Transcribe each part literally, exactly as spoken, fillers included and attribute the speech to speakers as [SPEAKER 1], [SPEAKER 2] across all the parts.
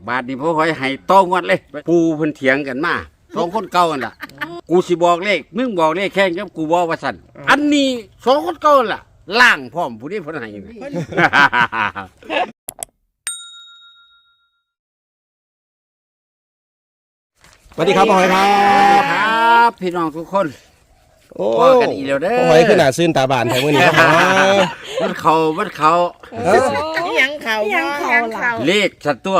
[SPEAKER 1] บาทนี้พ่อหอยให้ต้องวัดเลยปูเพิ่นเถียงกันมาสองคนเก่ากันล่ะกูสิบอกเลขมึงบอกเลขแข่งกับกูบอกว่าสั่นอันนี้สองคนเก่าล่ะล่างพร้อมผู้นี้เพิ่นให้
[SPEAKER 2] สวัสดีครับพ่อหอยครับ
[SPEAKER 1] ครับพี่น้องทุกคน
[SPEAKER 2] โอ้
[SPEAKER 1] พอกันอีกแล้วเด้อ
[SPEAKER 2] พ่อหอยขึ้นหน้าซื่นตาบานแถวมื้อนี้ครับ
[SPEAKER 1] มันเขามันเขา
[SPEAKER 3] ยังเขายังเขาเขา
[SPEAKER 1] เลขสัตว์ตัว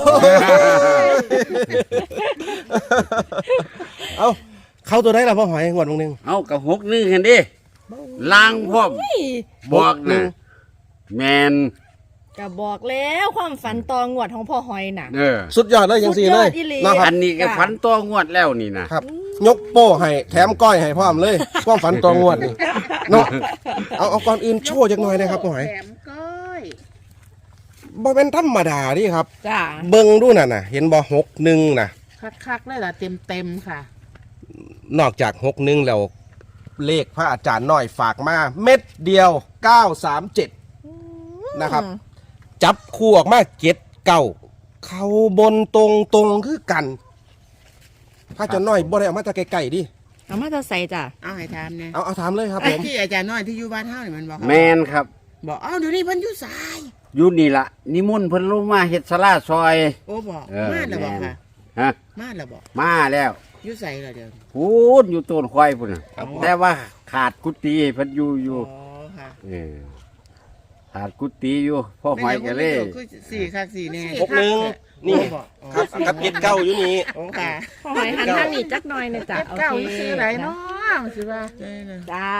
[SPEAKER 2] เอ้าเข้าตัวได้ล่ะพ่อหอยงวดนึง
[SPEAKER 1] เอากับหกนึงเห็นดิล่างพร้อมบอกนะแมน
[SPEAKER 3] ก็บอกแล้วความฝันตองวดของพ่อหอยน่ะ
[SPEAKER 1] เออ
[SPEAKER 2] สุดยอดเลยจังซี่เลย
[SPEAKER 3] สุดยอดอีหลี
[SPEAKER 2] นะครับ
[SPEAKER 1] อันนี้ก็ฝันตัวงวดแล้วนี่นะครับ
[SPEAKER 2] ยกโป้ให้แถมก้อยให้พร้อมเลยความฝันตัวงวดนี่เนาะเอาเอาก่อนอื่นโชว์จักหน่อยนะครับพ่อหอย
[SPEAKER 3] แถมก้อย
[SPEAKER 2] บ่เป็นธรรมดาดิครับ
[SPEAKER 3] จ้า
[SPEAKER 2] เบิ่งดูน่ะน่ะเห็นบ่หกหนึ่งน่ะ
[SPEAKER 3] คักๆเลยล่ะเต็มเต็มๆค่ะ
[SPEAKER 2] นอกจากหกหนึ่งแล้วเลขพระอาจารย์น้อยฝากมาเม็ดเดียวเก้าสามเจ็ดนะครับ จับคู่ออกมาเจ็ดเก้าเขาบนตรงตรงคือกันพระอาจารย์น้อยบ่ได้เอามาจากไกลๆดิ
[SPEAKER 3] เอามาจะใส่จ้ะ
[SPEAKER 4] เอาให้ถามเนี่ย
[SPEAKER 2] เอาเอาถามเลยครับผม
[SPEAKER 4] ที่อาจารย์น้อยที่อยู่บ้านเฮานี่มันบอก
[SPEAKER 1] แมนครับ
[SPEAKER 4] บอกอ้าวเดี๋ยวนี้เพิ่นอยู่สาย
[SPEAKER 1] อยู่นี่ละนิมนต์เพิ่นลงมาเฮ็ดศาลาซอย
[SPEAKER 4] โอ้บอก
[SPEAKER 1] เออ
[SPEAKER 4] มาแล้วบอกค่ะ
[SPEAKER 1] ฮะ
[SPEAKER 4] มาแล้วบอก
[SPEAKER 1] มาแล้ว
[SPEAKER 4] อยู่ใส่แล้วเดี๋ยว
[SPEAKER 1] พูดอยู่ต้นควายพุ่นน่ะแต่ว่าขาดกุฏิเพิ่นอยู่อยู่
[SPEAKER 4] อ๋อค่ะ
[SPEAKER 1] เออขาดกุฏิอยู่พ่อหอยก็เลย
[SPEAKER 4] คือสี่คักสี่แน่
[SPEAKER 2] หกหนึ่งนี่
[SPEAKER 4] บอกอ๋อ
[SPEAKER 2] ครับกับเจ็ดเก้าอยู่นี่
[SPEAKER 4] โอ้ค่ะ
[SPEAKER 3] พ่อหอยหันท่านนี่จักหน่อยนะจ้ะ
[SPEAKER 4] เจ็ด
[SPEAKER 3] โอ
[SPEAKER 4] เก้า
[SPEAKER 3] เค
[SPEAKER 4] ซื้ออะไรเนาะมันสิว่าได้เลย
[SPEAKER 3] จ้า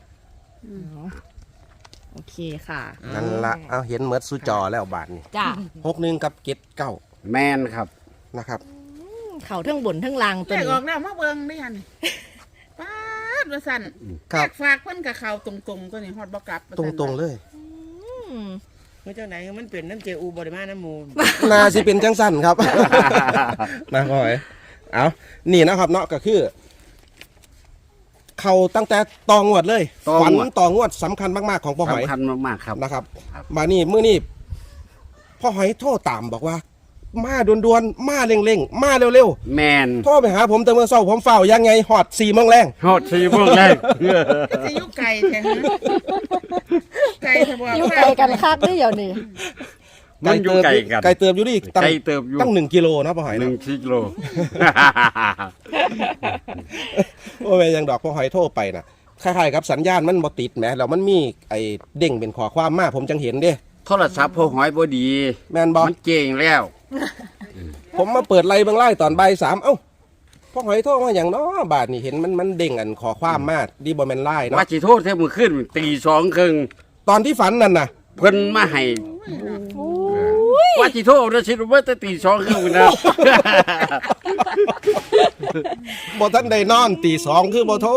[SPEAKER 3] โอเคค่ะ
[SPEAKER 2] นั่นละเอาเห็นเหมือนสุจอแล้วบาทนี่
[SPEAKER 3] จ้า
[SPEAKER 2] หกหนึ่งกับเจ็ดเก้า
[SPEAKER 1] แมนครับ
[SPEAKER 2] นะครับ
[SPEAKER 3] เขาทั้งบนทั้งล่างตัว
[SPEAKER 4] แยก
[SPEAKER 3] นี้
[SPEAKER 4] ออกแล้วมาเบิ่งได้ยันป้าดว่าสั่น
[SPEAKER 2] ครับ
[SPEAKER 4] ฝากเพิ่นกับเขาตรงๆตัวนี้ฮอดบ่กลับว่า
[SPEAKER 2] ต
[SPEAKER 4] ซั่น
[SPEAKER 2] รงๆเลย
[SPEAKER 3] อืม
[SPEAKER 4] เมื่อเจ้าไหนมันเป็นน้ำเจอูบ่ได้มาน้ำมูล
[SPEAKER 2] นาสิเป็นจังสั้นครับ นะพ่อหอยเอานี่นะครับเนาะก็คือ เขาตั้งแต่ตองวดเลย
[SPEAKER 1] ตองวด
[SPEAKER 2] ฝันตองวดสำคัญมากๆของพ่อหอย
[SPEAKER 1] สำคัญมากๆครับ
[SPEAKER 2] นะครับ
[SPEAKER 1] ครับ
[SPEAKER 2] มานี่มื้อนี้พ่อหอยโทรตามบอกว่า มาด่วนๆมาเร่งๆมาเร็ว
[SPEAKER 1] แมน
[SPEAKER 2] ๆโทรไปหาผมแต่เมื่อเช้าผมเฝ้ายังไงหอดสี่โมงแรง
[SPEAKER 1] ฮอดสี่โมงแรก
[SPEAKER 4] ก็สิอยู่ไกลแท้ฮะไกลแท้บ่
[SPEAKER 3] อยู่ไกลกันคักด้วยเดี๋ยวนี้
[SPEAKER 1] มันอยู่ไกลกัน
[SPEAKER 2] ไกลเติบอยู่ดิตั้ง
[SPEAKER 1] ไกลเติบอยู่
[SPEAKER 2] ตั้งหนึ่งกิโลนะพ่อหอย
[SPEAKER 1] หนึ่
[SPEAKER 2] นะ
[SPEAKER 1] งกิโล
[SPEAKER 2] โอ้ยยังดอกพ่อหอยโทรไปนะคล้ายๆกับสัญญาณมันบ่ติดแหมแล้วมันมีไอ้เด้งเป็นข้อความมาผมจังเห็นเด้
[SPEAKER 1] โทรศัพท์พ่อหอยบ่ดี
[SPEAKER 2] แมนบอ
[SPEAKER 1] มันเก่งแล้ว
[SPEAKER 2] ผมมาเปิดไล่เบิ่งไล่ตอนบ่ายสามเอ้าพ่อหอยโทรมาอย่างเนาะบาทนี่เห็นมันมันเด้งอันขอความมาดีบ่แม่นไล่เนาะ
[SPEAKER 1] ว่าสิโทษแท้มือขึ้นตีสองครึ่ง
[SPEAKER 2] ตอนที่ฝันนั่นน่ะ
[SPEAKER 1] เพิ่นมาให้ว่าสิโทษนะสิรู้ว่าจะตีสองครึ่งนะ
[SPEAKER 2] บ่ทันได้นอนตีสองคือบ่โทร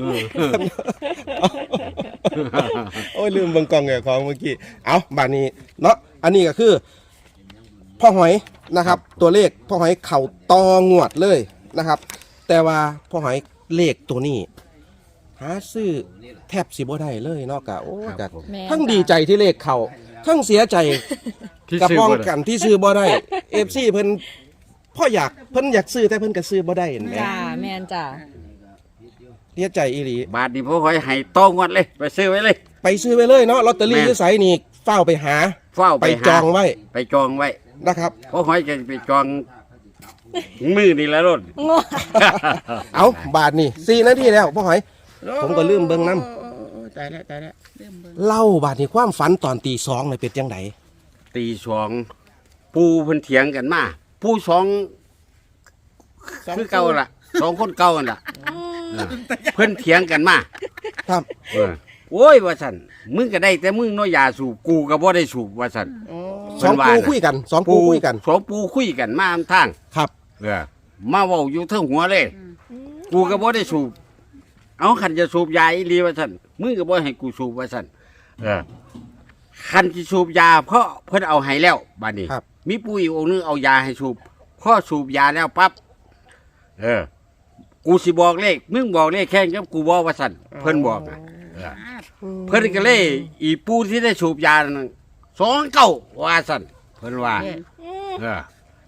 [SPEAKER 2] โอ้ยลืมเบิ่งกล้องแก่ของเมื่อกี้เอาบาดนี้เนาะอันนี้ก็คือพ่อหอยนะครับ ตัวเลขพ่อหอยเข่าตองวดเลยนะครับ แต่ว่าพ่อหอยเลขตัวนี้ หาซื้อแทบสิบ่ได้เลยเนาะกะโอ้กะ
[SPEAKER 3] แม่น
[SPEAKER 2] ทั้งดีใจที่เลขเขาทั้งเสียใจ
[SPEAKER 1] ที่
[SPEAKER 2] กับ
[SPEAKER 1] ซื้อ
[SPEAKER 2] ป้อง
[SPEAKER 1] บ่ได้
[SPEAKER 2] กันที่ซื้อบ่ได้ เอฟซีเพิ่นพ่ออยากเพิ่นอยากซื้อแต่เพิ่นก็ซื้อบ่ได้เห็นไหม
[SPEAKER 3] จ้าแมนจ้า
[SPEAKER 2] เสียใจอีหลี
[SPEAKER 1] บาทนี้พ่อหอยให้ต้องวัดเลย ไปซื้อไว้เลย
[SPEAKER 2] ไปซื้อไปเลยเนาะลอตเตอรี่
[SPEAKER 1] แม่น
[SPEAKER 2] ที่ไสนี่เฝ้าไปหา
[SPEAKER 1] เฝ้า
[SPEAKER 2] ไป
[SPEAKER 1] ไปหา
[SPEAKER 2] จองไว้
[SPEAKER 1] ไปจองไว้
[SPEAKER 2] นะครับ
[SPEAKER 1] พ่อหอยจะไปจองมือนี่แหละรถ
[SPEAKER 3] งอ
[SPEAKER 2] เอาบาทนี่สี่นาทีแล้วพ่อหอย ผมก็ลืมเบิ่งนำ
[SPEAKER 4] โอ้โอ้โอ้ตายแล้วตายแล้วลืมเบิ่ง
[SPEAKER 2] เล่าบาทนี่ความฝันตอนตีสองเลยเป็นจังได
[SPEAKER 1] ตีสองปูเพิ่นเถียงกันมาปูสองคือเก่าล่ะสองคนเก่ากันล่ะเออเพิ่นเถียงกันมา
[SPEAKER 2] ครับ
[SPEAKER 1] เออโอ้ยว่าสันมึงก็ได้แต่มึงเน้อยยาสูบกูก็บ่ได้สูบว่าสัน
[SPEAKER 4] โอ้
[SPEAKER 2] สอง
[SPEAKER 1] เพิ่นว่า
[SPEAKER 2] ปู
[SPEAKER 1] น่ะ
[SPEAKER 2] คุยกันสองปูคุยกัน
[SPEAKER 1] สองปูคุยกันมาทาง
[SPEAKER 2] ครับ
[SPEAKER 1] เออมาเว้าอยู่เทิงหัวเลย กูก็บ่ได้สูบเอาขันจะสูบยาอีหลีว่าสันมึงก็บ่ให้กูสูบว่าสันเออขันจะสูบยาเพราะเพิ่นเอาให้แล้วบัดนี้
[SPEAKER 2] ครับ
[SPEAKER 1] มีปู่อีกองค์นึงเอายาให้สูบพอสูบยาแล้วปั๊บเออ กูสิบอกเลขมึงบอกเลขแข่งกับกูบอกว่าสันเพิ่นบอกนะเออ เพิ่นก็เลยอีปูที่ได้สูบยานั่นสองเก้าว่าสั่นเพิ่นว่า
[SPEAKER 4] เนี่ย
[SPEAKER 1] เออ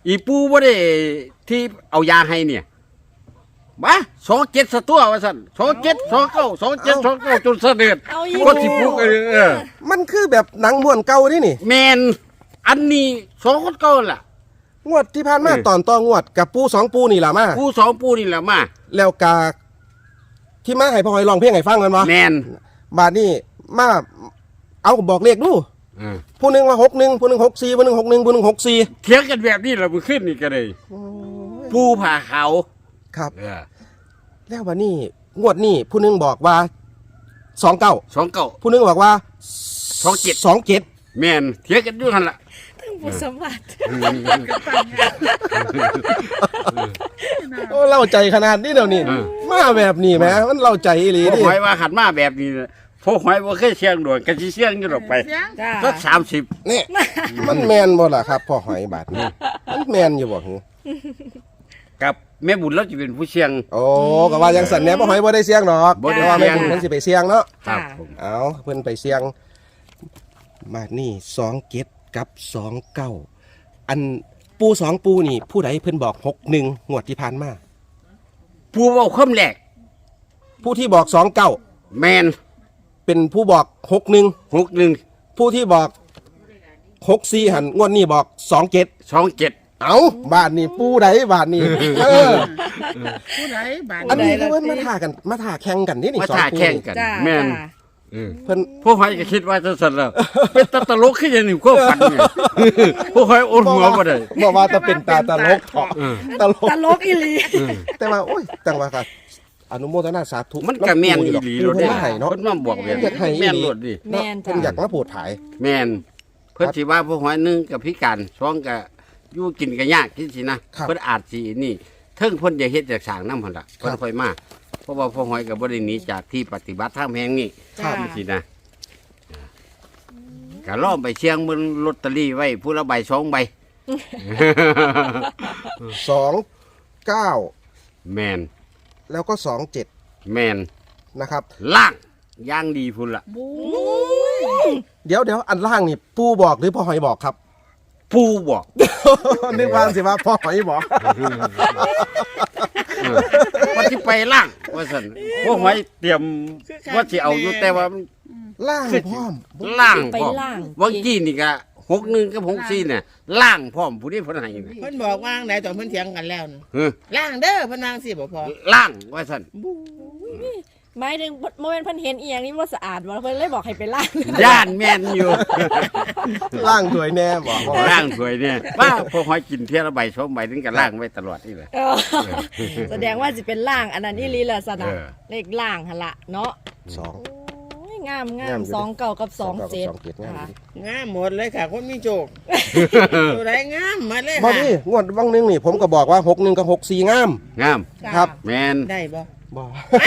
[SPEAKER 1] อีปูบ่ได้ที่เอายาให้เนี่ยมาสองเจ็ดสตัวว่าสั่นสองเจ็ดสองเก้าสองเจ็ดสองเก้าจนเสด็จ
[SPEAKER 3] เอาอีก
[SPEAKER 1] ก็สิปลุกเออเออ
[SPEAKER 2] มันคือแบบหนังม้วนเก่านี่นี่
[SPEAKER 1] แมนอันนี้สองคนเก่าล่ะ
[SPEAKER 2] งวดที่ผ่านมา
[SPEAKER 1] เออ
[SPEAKER 2] ตอนต่องวดกับปูสองปูนี่ล่ะมา
[SPEAKER 1] ปูสองปูนี่แหละมา
[SPEAKER 2] แล้วกาที่มาให้พ่อหอยลองเพลงให้ฟังกันวะ
[SPEAKER 1] แมน
[SPEAKER 2] บาดนี้มาเอาบอกเลขดู
[SPEAKER 1] เออ
[SPEAKER 2] ผู้หนึ่งว่าหกหนึ่งผู้หนึ่งหกสี่ผู้หนึ่งหกหนึ่งผู้หนึ่งหกสี่
[SPEAKER 1] เถียงกันแบบนี้เราไปขึ้นนี่ก็เลยปูผ่าเขาว
[SPEAKER 2] ครับ
[SPEAKER 1] เออ
[SPEAKER 2] แล้วบาดนี้งวดนี้ผู้หนึ่งบอกว่าสองเก้า
[SPEAKER 1] สองเก้า
[SPEAKER 2] ผู้หนึ่งบอกว่า
[SPEAKER 1] สองเจ็ด
[SPEAKER 2] สองเจ็ด
[SPEAKER 1] แมนเถียงกันอยู่ทันละ
[SPEAKER 3] ทั้งผู้สมัคร
[SPEAKER 2] โอ้เล่าใจขนาดนี้เดี๋ยวนี้มาแบบนี้แหมมันเล่าใจอีหลี
[SPEAKER 1] พ่อ
[SPEAKER 2] ดิ
[SPEAKER 1] หอยว่าขันมาแบบนี้น่ะพ่อหอยว่าเคยเชียงโดดกันสิเชียงอยู่ดอกไป
[SPEAKER 4] เสียง
[SPEAKER 3] จ้า
[SPEAKER 1] สักสามสิบ
[SPEAKER 2] นี่มันแมนบ่ล่ะครับพ่อหอยบาดนี้มันแมนอยู่บ่หือ
[SPEAKER 1] กับแม่บุญเราจะเป็นผู้เชียง
[SPEAKER 2] โอ้ก็ว่ายังสั่นแหน่พ่อหอยบ่ได้เสียงดอก
[SPEAKER 1] บ่ได้
[SPEAKER 2] เพราะว่า
[SPEAKER 1] เสี่
[SPEAKER 2] แม่
[SPEAKER 1] ยง
[SPEAKER 2] บุญเพิ่นสิไปเสียงเนาะ
[SPEAKER 1] ครับผม
[SPEAKER 2] เอาเพิ่นไปเสียงบาดนี้สองเจ็ดกับสองเก้าอันปูสองปูนี่ ผู้ใดเพิ่นบอกหกหนึ่งงวดที่ผ่านมา
[SPEAKER 1] ผู้เว้าคำแรก
[SPEAKER 2] ผู้ที่บอกสองเก้า
[SPEAKER 1] แมน
[SPEAKER 2] เป็นผู้บอกหกหนึ่ง
[SPEAKER 1] หกหนึ่ง
[SPEAKER 2] ผู้ที่บอกหกสี่หันงวดนี้บอกสองเจ็ด
[SPEAKER 1] สองเจ็ด
[SPEAKER 2] เอาบาทนี่ปูใดบาทนี่เออ
[SPEAKER 4] ผู้ใดบาด
[SPEAKER 2] อันนี้คือเพิ่นมาถ่ากันมาถ่าแข่งกันนี่นี่
[SPEAKER 1] มา
[SPEAKER 2] สอง
[SPEAKER 1] ท่า
[SPEAKER 2] ปู
[SPEAKER 1] แข่ง
[SPEAKER 2] นี่
[SPEAKER 1] กัน
[SPEAKER 3] จ้า
[SPEAKER 1] แมน
[SPEAKER 3] จ้า
[SPEAKER 1] เออ
[SPEAKER 2] เพิ่น
[SPEAKER 1] พวกหอยก็คิดว่าจะสั่นแล้วเป็นตาตลกขึ้นอย่างหนึ่งก็ฝันเนี่ยพวกหอยโอนหัวมาได้
[SPEAKER 2] บอกว่าจะเป็นตาตลกเถาะ
[SPEAKER 1] เออ
[SPEAKER 2] ตลก
[SPEAKER 3] ตลกอีหลี
[SPEAKER 2] แต่ว่าโอ้ยจังว่าค่ะอนุโมทนาสาธุ
[SPEAKER 1] มันก็แม่นอีหลี
[SPEAKER 2] ปู
[SPEAKER 1] รถ
[SPEAKER 2] เพิ่
[SPEAKER 1] เด้
[SPEAKER 2] นให้เนาะ
[SPEAKER 1] เพิ่นมาบอกแบบ
[SPEAKER 2] อยากให้อีหลี
[SPEAKER 1] แม่นรถดิ
[SPEAKER 3] แม่น
[SPEAKER 2] เพิ่
[SPEAKER 3] จ้าน
[SPEAKER 2] อยากมาโปรดถ่าย
[SPEAKER 1] แม่นเพิ่นสิว่าพวกหอยหนึงกับพิการสองก็อยู่กินก็ยากที่สินะเพิ่นอาจสินี่เทิงเพิ่นจะเฮ็ดจากสร้างนำหั่นล่ะเพิ่นค่อยมาเพราะว่าพวกหอยก็บ่ได้หนีจากที่ปฏิบัติธรรมแห่งนี้
[SPEAKER 3] จ้า
[SPEAKER 1] ที่สินะก็ล้อมไปเชียงบนลอตเตอรี่ไว้ผู้ละใบสองใบ
[SPEAKER 2] สองเก้า
[SPEAKER 1] แมน
[SPEAKER 2] แล้วก็สองเจ็ด
[SPEAKER 1] แมน
[SPEAKER 2] นะครับ
[SPEAKER 1] ล่างย่างดีพุ่นละ
[SPEAKER 2] เดี๋ยวเดี๋ยวอันล่างนี่ปูบอกหรือพ่อหอยบอกครับ
[SPEAKER 1] ผู้บอก
[SPEAKER 2] นึกว่าสิว่าพ่อหอยบอก
[SPEAKER 1] เออว่าที่ไปล่างว่าสันพวกหอยเตรียมว่าสิเอาอยู่แต่ว่ามัน
[SPEAKER 2] ล่างพร้อม
[SPEAKER 1] ล่าง
[SPEAKER 3] ไป
[SPEAKER 1] พร้อม
[SPEAKER 3] ล่าง
[SPEAKER 1] วังกี้นี่ก็หกหนึ่งกับหกสี่เนี่ยล่างพร้อมผู้นี้เพิ่นให้นี่
[SPEAKER 4] เพิ่นบอกว่างไหนตอนเพิ่นเถียงกันแล้วน่ะ
[SPEAKER 1] เออ
[SPEAKER 4] ล่างเด้อเพิ่นวางสิบ่พอ
[SPEAKER 1] ล่างว่าสัน
[SPEAKER 3] หมายถึงโมเมนต์เพันเห็นอีหยังนี่ว่าสะอาดบ่เพิ่นเลยบอกให้ไปล้าง
[SPEAKER 1] ย่านแม่นอยู่
[SPEAKER 2] ล่างสวยแน่บอกพ่อหอย
[SPEAKER 1] ล่างสวยเนี่ยว่าพวกหอยกินเที่ยละใบสองใบถึงกับล่างไว้ตลอดนี่เลย
[SPEAKER 3] เออแสดงว่าสิเป็นล่างอันนั้นอีหลีล่ะสนะ
[SPEAKER 1] เออ
[SPEAKER 3] เลขล่างหั่นละเนาะ
[SPEAKER 2] สอง
[SPEAKER 3] โอ้ยงามงาง
[SPEAKER 2] าม
[SPEAKER 3] ม
[SPEAKER 2] อยู่
[SPEAKER 3] สองเก่ากับสองเจ็ด
[SPEAKER 2] สองเจ็ดงามอยู่ดิ
[SPEAKER 4] งามหมดเลยค่ะคนมีโจกตัวใดงามมาเลย
[SPEAKER 2] บอ
[SPEAKER 4] ค่ะ
[SPEAKER 2] นี่งวดวังหนึงนี่ผมก็บอกว่าหกหนึ่งกับหกสี่งาม
[SPEAKER 1] งาม
[SPEAKER 3] จ้า
[SPEAKER 2] ครับ
[SPEAKER 1] แมน
[SPEAKER 4] ได้บ่
[SPEAKER 2] บอก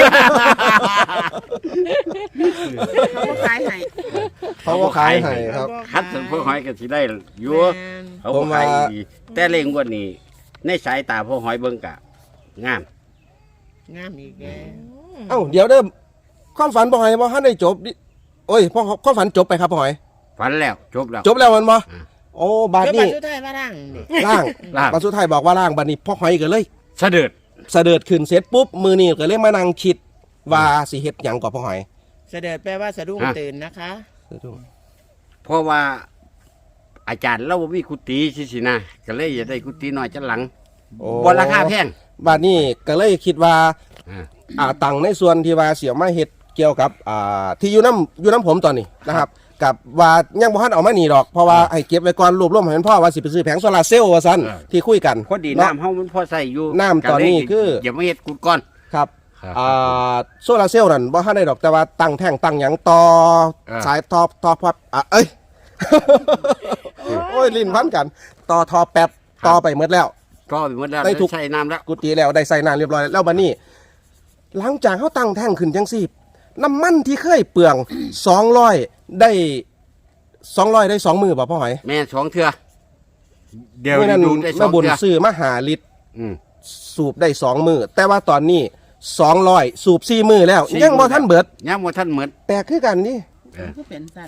[SPEAKER 4] เขาบ่ขายให้
[SPEAKER 2] เขาก็ขายให้ครับ
[SPEAKER 1] คัดสันพวกหอยก็สิได้อยู่
[SPEAKER 4] แม่น
[SPEAKER 1] เขาก็ขายดีแต่เล่งกว่านี้ในสายตาพวกหอยเบิ่งกะงาม
[SPEAKER 4] งามอีกแล้ว
[SPEAKER 2] เอ้าเดี๋ยวเด้อความฝันพ่อหอยบ่ทันได้จบดิโอ้ยพ่อความฝันจบไปครับพ่อหอย
[SPEAKER 1] ฝันแล้วจบแล้ว
[SPEAKER 2] จบแล้วมันบ่
[SPEAKER 1] อ่า
[SPEAKER 2] โอ้บาด
[SPEAKER 4] แล้วบั
[SPEAKER 2] นี้
[SPEAKER 4] ดสุดท้ายว่าล่างนี่
[SPEAKER 2] ล่าง
[SPEAKER 1] ล่าง
[SPEAKER 2] บาดสุดท้ายบอกว่าล่างบาดนี้พ่อหอยก็เลย
[SPEAKER 1] เสด็จ
[SPEAKER 2] เสด็จขึ้นเสร็จปุ๊บมือนี่ก็เลยมานั่งคิดว่าสิเฮ็ดหยังกับพ่อหอย
[SPEAKER 4] เสด็จแปลว่าสะดุ้งตื่นนะคะ
[SPEAKER 1] เพราะว่าอาจารย์เราบ่มีกุฏิสิสินะก็เลยอยากได้กุฏิน้อยจังหลัง
[SPEAKER 2] โอ้
[SPEAKER 1] บ่ราคาแพง
[SPEAKER 2] บาดนี้ก็เลยคิดว่า
[SPEAKER 1] อ่า
[SPEAKER 2] อ่าตังในส่วนที่ว่าเสียมาเฮ็ดเกี่ยวกับอ่าที่อยู่น้ำอยู่น้ำผมตอนนี้นะครับ กับว่ายังบ่ทันเอามานี่ดอกเพราะว่าให้เก็บไว้ก่อนรวบรวมให้มันพ่อว่าสิไปซื้อแผงโซลาร์เซลล์ว่าซั่นที่คุยกัน
[SPEAKER 1] พอดี
[SPEAKER 2] เนาะ
[SPEAKER 1] น้ำเฮามันพอใส่อยู่
[SPEAKER 2] น้ำตอนนี้คือ
[SPEAKER 1] อย่ามาเฮ็ดกุดก่อน
[SPEAKER 2] ครับ
[SPEAKER 1] ครับ
[SPEAKER 2] อ่าโซลาร์เซลล์นั่นบ่ทันได้ดอกแต่ว่าตั้งแท่งตั้งหยังต่อ
[SPEAKER 1] เออ
[SPEAKER 2] สายต่อต่อพับอ่ะเอ้ย โอ้ยลิ้นพันกัน ต่อทอแป๊บต่อไปหมดแล้ว
[SPEAKER 1] ก็ไปหมดแล้ว
[SPEAKER 2] ได้ทุก
[SPEAKER 1] ใส่น้ำแล้ว
[SPEAKER 2] กุฏิแล้วได้ใส่น้ำเรียบร้อยแล้วบัดนี้ หลังจากเขาตั้งแท่งขึ้นจังซี่น้ำมันที่เคยเปลือง สองร้อยได้สองร้อยได้สองมือป่ะพ่อหอย
[SPEAKER 1] แม่สองเทื่อเดี๋ยว
[SPEAKER 2] เมื่อนั้น
[SPEAKER 1] ดูได้สอ
[SPEAKER 2] แม่
[SPEAKER 1] ง
[SPEAKER 2] บุญ
[SPEAKER 1] เทื่อ
[SPEAKER 2] ซื้อมาหาลิตร
[SPEAKER 1] อืม
[SPEAKER 2] สูบได้สองมือแต่ว่าตอนนี้สองร้อยสูบสี่มือแล้ว
[SPEAKER 1] สี่
[SPEAKER 2] ยังบ่
[SPEAKER 1] มื้อ
[SPEAKER 2] ท่านเบิด
[SPEAKER 1] ยังบ่ทันเหมือน
[SPEAKER 2] แปลกคือกันนี่
[SPEAKER 1] เออ
[SPEAKER 4] ก็เป็นสั้นมัน
[SPEAKER 2] ฮ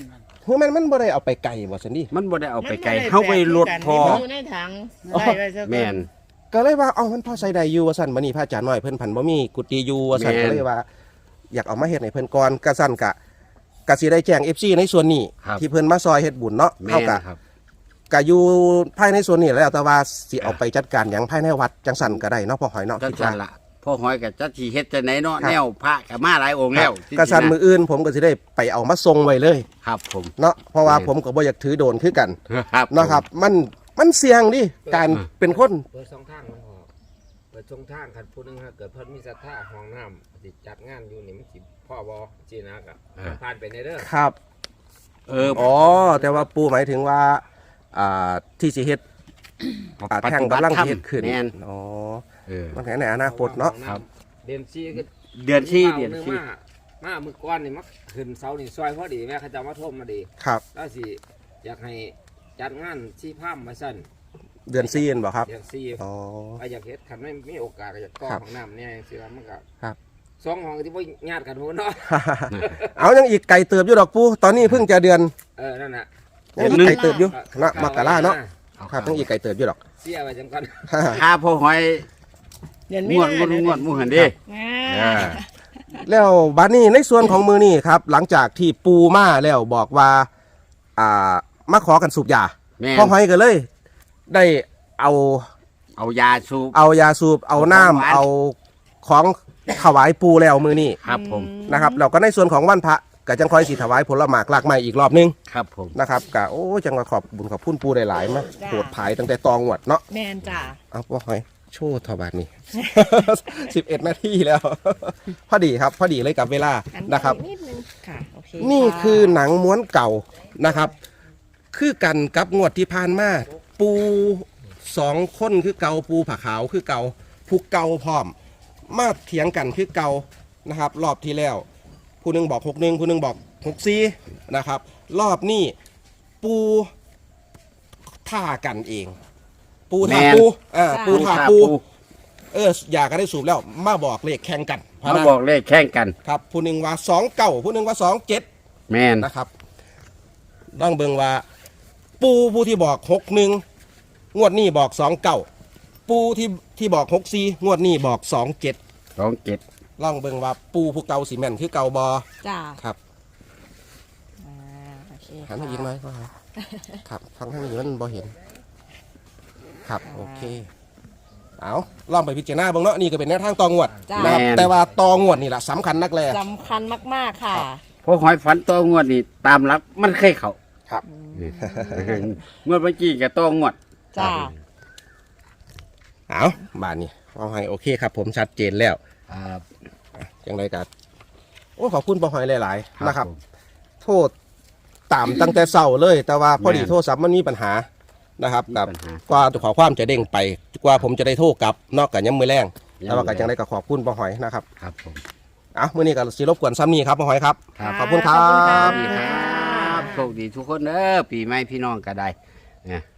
[SPEAKER 2] คือมันมันบ่ได้เอาไปไกลบ่ซั่นดิ
[SPEAKER 1] มันบ่ได้เอาไปไกล
[SPEAKER 4] มันบ่ด้
[SPEAKER 1] เฮาไปรถพอ
[SPEAKER 4] มันอยู่ในถังไว้ไว้ซะก่อน
[SPEAKER 1] แม่น
[SPEAKER 2] ก็เลยว่าเอามันพอใส่ได้อยู่ว่าซั่นบัดนี้พระอาจารย์น้อยเพิ่นพันบ่มีกุฏิอยู่ว่าซั่น
[SPEAKER 1] แม่น
[SPEAKER 2] ก็เลยว่า อยากเอามาเฮ็ดให้เพิ่นก่อนก็ซั่นกะก็สิได้แจ้ง เอฟ ซี ในส่วนนี้
[SPEAKER 1] ครับ
[SPEAKER 2] ที่เพิ่นมาซอยเฮ็ดบุญเนาะ
[SPEAKER 1] แม่
[SPEAKER 2] เฮาน กะ
[SPEAKER 1] ครับ
[SPEAKER 2] ก็อยู่ภายในส่วนนี้แล้วแต่ว่าสิเอาไปจัดการหยังภายในวัดจังซั่นก็ได้เนาะพ่อหอยเนาะ
[SPEAKER 1] จัง
[SPEAKER 2] คิด
[SPEAKER 1] ซั่
[SPEAKER 2] ว่าน
[SPEAKER 1] ล่ะพ่อหอยก็จักสิเฮ็ดจังไหนเนาะ
[SPEAKER 2] ครับ
[SPEAKER 1] แนวพระก็มาหลายองค์แล้ว
[SPEAKER 2] ก็ซั่นมื้ออื่นผมก็สิได้ไปเอามาส่งไว้เลย
[SPEAKER 1] ครับผม
[SPEAKER 2] เนาะเพราะว่า
[SPEAKER 1] แม่น
[SPEAKER 2] ผมก็บ่อยากถือโดนคือกัน
[SPEAKER 1] ครับ
[SPEAKER 2] เนาะครับ มันมันเสี่ยงดิการเป็นคน
[SPEAKER 5] เปิดสองทางมันพอเปิดสองทางคันผู้หนึงถ้าเกิดเพิ่นมีศรัทธาห้องน้ำสิจัดงานอยู่นี่มันสิพ่อบอจีนักอ่ะผ่านไปในเด้อ
[SPEAKER 2] ครับ
[SPEAKER 1] เออ
[SPEAKER 2] อ๋อแต่ว่าปูหมายถึงว่าอ่าที่สิเฮ็ดอ่าแท่งกำลังสิเฮ็ดขึ้น
[SPEAKER 1] แม่น
[SPEAKER 2] อ๋อ
[SPEAKER 1] เออ
[SPEAKER 2] มันแค่ในอนาคตเนาะ
[SPEAKER 1] ครับ
[SPEAKER 5] เดือนสี่ก็
[SPEAKER 1] เดือนสี่เดือนสี่
[SPEAKER 5] มามามือก้อนนี่มักขึ้นเสานี่ซอยพอดีแม่เขาจะมาท่มมาดี
[SPEAKER 2] ครับ
[SPEAKER 5] แล้วสิอยากให้จัดงานที่ภาพมาสั้น
[SPEAKER 2] เดือนซีเอ็นบ่ครับ
[SPEAKER 5] เดือนสี่
[SPEAKER 2] อ๋อ
[SPEAKER 5] ไปอยากเฮ็ดคันไม่มีโอกาสก็จะก่อ
[SPEAKER 2] ครับ
[SPEAKER 5] ห้องน้ำเนี่ยสิว่ามันก็
[SPEAKER 2] ครับ
[SPEAKER 5] สองห้องที่บ่ญาติกันโหเนาะ
[SPEAKER 2] เอายังอีกไก่เติบอยู่ดอกปูตอนนี้เพิ่งจะเดือน
[SPEAKER 5] เออนั่นน่ะ
[SPEAKER 2] ยังอีกไก่เติบอยู่เนาะมกราเนาะครับยังอีกไก่เติบอยู่ดอก
[SPEAKER 5] เสียไว้จังก่อน
[SPEAKER 1] ถ้าพ่อหอย
[SPEAKER 4] เดือน
[SPEAKER 1] ง
[SPEAKER 4] มี
[SPEAKER 1] วด
[SPEAKER 4] นาง
[SPEAKER 1] วดงวดหมู่หั่นเด้
[SPEAKER 3] อ่า
[SPEAKER 1] เออ
[SPEAKER 2] แล้วบาดนี้ในส่วนของมือนี่ครับ หลังจากที่ปูมาแล้วบอกว่าอ่ามาขอกันสูบยา
[SPEAKER 1] แม่น
[SPEAKER 2] พ่อหอยก็เลย ได้เอา
[SPEAKER 1] เอายาสูบ
[SPEAKER 2] เอายาสูบเอาน้ำ
[SPEAKER 1] เอาของหวาน
[SPEAKER 2] เอาของถวายปูแล้วมือนี่
[SPEAKER 1] ครับผม
[SPEAKER 2] นะครับแล้วก็ในส่วนของวันพระก็จังคอยสีถวายผลหมากหลากไม้อีกรอบนึง
[SPEAKER 1] ครับผม
[SPEAKER 2] นะครับก็โอ้จังว่าขอบบุญขอบพุ่นปูได้หลายมาโปรดภายตั้งแต่ตองหวดเนาะ
[SPEAKER 3] แมนจ้า
[SPEAKER 2] เอาพ่อหอยโชว์ทบาทนี่ สิบเอ็ดนาทีแล้ว พอดีครับ พอดีเลยกับเวลา
[SPEAKER 3] อัน
[SPEAKER 2] นะครับ
[SPEAKER 3] นิดนึงค่ะโอเค
[SPEAKER 2] นี่
[SPEAKER 3] ะ
[SPEAKER 2] คือหนังม้วนเก่านะครับ คือกันกับงวดที่ผ่านมาปูสองคนคือเกาปูผาขาวคือเกาผู้เกาพร้อม มาเถียงกันคือเกานะครับ รอบที่แล้ว ผู้หนึงบอกหกหนึ่งผู้หนึงบอกหกสี่นะครับ รอบนี้ปูท่ากันเอง ปูท่า
[SPEAKER 1] แม่น
[SPEAKER 2] ปูอ่าปูท่าปู
[SPEAKER 1] ปู
[SPEAKER 2] เอออยากก็ได้สูบแล้ว มาบอกเลขแข่งกันพะ
[SPEAKER 1] มา
[SPEAKER 2] นะ
[SPEAKER 1] บอกเลขแข่งกัน
[SPEAKER 2] ครับผู้หนึ่งว่าสองเก้าผู้หนึ่งว่าสองเจ็ด
[SPEAKER 1] แม่น
[SPEAKER 2] นะครับต้องเบิ่งว่า ปูผู้ที่บอกหกหนึ่งงวดนี้บอกสองเก้าปูที่ที่บอกหกสี่งวดนี้บอกสองเจ็ด
[SPEAKER 1] สองเจ็ด
[SPEAKER 2] ลองเบิ่งว่าปูผู้เก่าสีแม่นคือเก่าบอ
[SPEAKER 3] จ้า
[SPEAKER 2] ครับ
[SPEAKER 3] อ่าโอเค
[SPEAKER 2] หันมาอีกหน่อยก็ครับครับฟังทางนี้มันบอเห็น ครับโอเคเอาลองไปพิจารณาเบิ่งเนาะนี่ก็เป็นแนวทางตองวด
[SPEAKER 3] จ้า
[SPEAKER 2] นะครับแต่ว่าตองวดนี่แหละสำคัญนักแล
[SPEAKER 3] สำคัญมากๆค่ะ
[SPEAKER 1] พ่อหอยฝันตัวงวดนี่ตามหลักมันเคยเข้า
[SPEAKER 2] ครับ
[SPEAKER 1] งวดเมื่อกี้ก็ต้องงวด
[SPEAKER 3] จ้า
[SPEAKER 2] เอาบ้านนี้เอาให้โอเคครับ ผมชัดเจนแล้ว
[SPEAKER 1] ครับ
[SPEAKER 2] อย่างไรกันโอ้ขอบคุณปอหอยหลายๆนะครับ
[SPEAKER 1] ผม
[SPEAKER 2] โทษตามตั้งแต่เศร้าเลย แต่ว่าพอดี
[SPEAKER 1] แม่น
[SPEAKER 2] โทรศัพท์มันมีปัญหานะครับ
[SPEAKER 1] มี
[SPEAKER 2] กับ
[SPEAKER 1] ปัญหา
[SPEAKER 2] กว่าขอความจะเด้งไป กว่าผมจะได้โทรกลับนอกจากย้ำมือแรง
[SPEAKER 1] ย้ำมือแรง
[SPEAKER 2] แต่ว่าก็จังได้ก็ขอบคุณปอหอยนะครับ
[SPEAKER 1] ครับผม
[SPEAKER 2] เอามื่อนี้ก็สิรบกวนซ้ำนี้ครับปอหอยครับ
[SPEAKER 1] ครับ
[SPEAKER 2] ขอบคุณครั
[SPEAKER 3] ขอบคุณค่ะ
[SPEAKER 2] บ
[SPEAKER 1] ครับโชคดีทุกคนเด้อปีใหม่พี่น้องก็ได้เนี่ย